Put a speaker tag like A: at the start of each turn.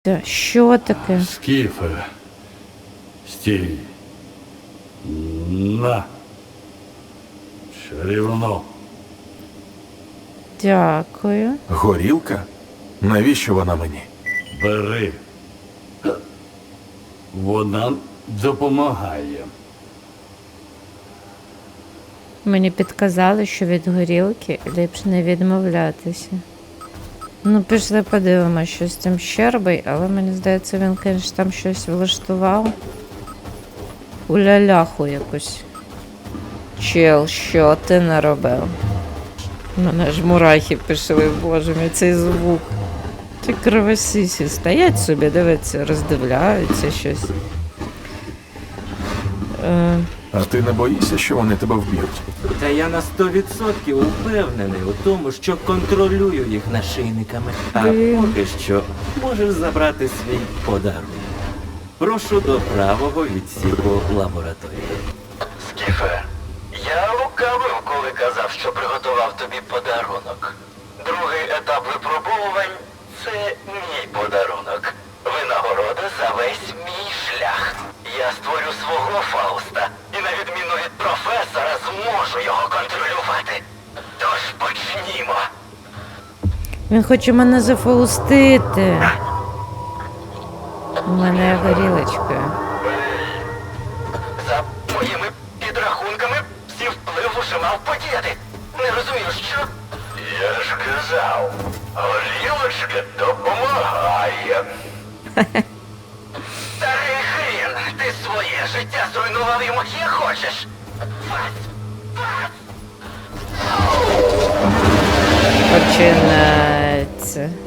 A: Що таке?
B: Скіфе. Стій. На. Чарівно.
A: Дякую.
C: Горілка? Навіщо вона мені?
B: Бери. Вона допомагає.
A: Мені підказали, що від горілки ліпше не відмовлятися. Ну, пішли подивимося, що з цим Щербий, але мені здається, він, звісно, там щось влаштував. Уляляху якусь. Чел, що ти наробив? Мене ж мурахи пішли, боже мій, цей звук. Ті кровосісі стоять собі, дивиться, роздивляються щось.
C: А ти не боїшся, що вони тебе вб'ють?
D: Та я на 100% упевнений у тому, що контролюю їх нашийниками. А поки що можеш забрати свій подарунок. Прошу до правого відсіку лабораторії.
E: Скіфе, я лукавив, коли казав, що приготував тобі подарунок. Другий етап випробовувань – це мій подарунок. Винагорода за весь мій шлях. Я створю свого Фауста і, на відміну від професора, зможу його контролювати. Тож почнімо.
A: Він хоче мене зафаустити. У мене є горілочка.
E: За моїми підрахунками, всі вплив уже мав подіяти. Не розумію, що? Я ж казав, горілочка допомагає. Старий хрін, ти своє життя зруйнував і моє хочеш?
A: Починається.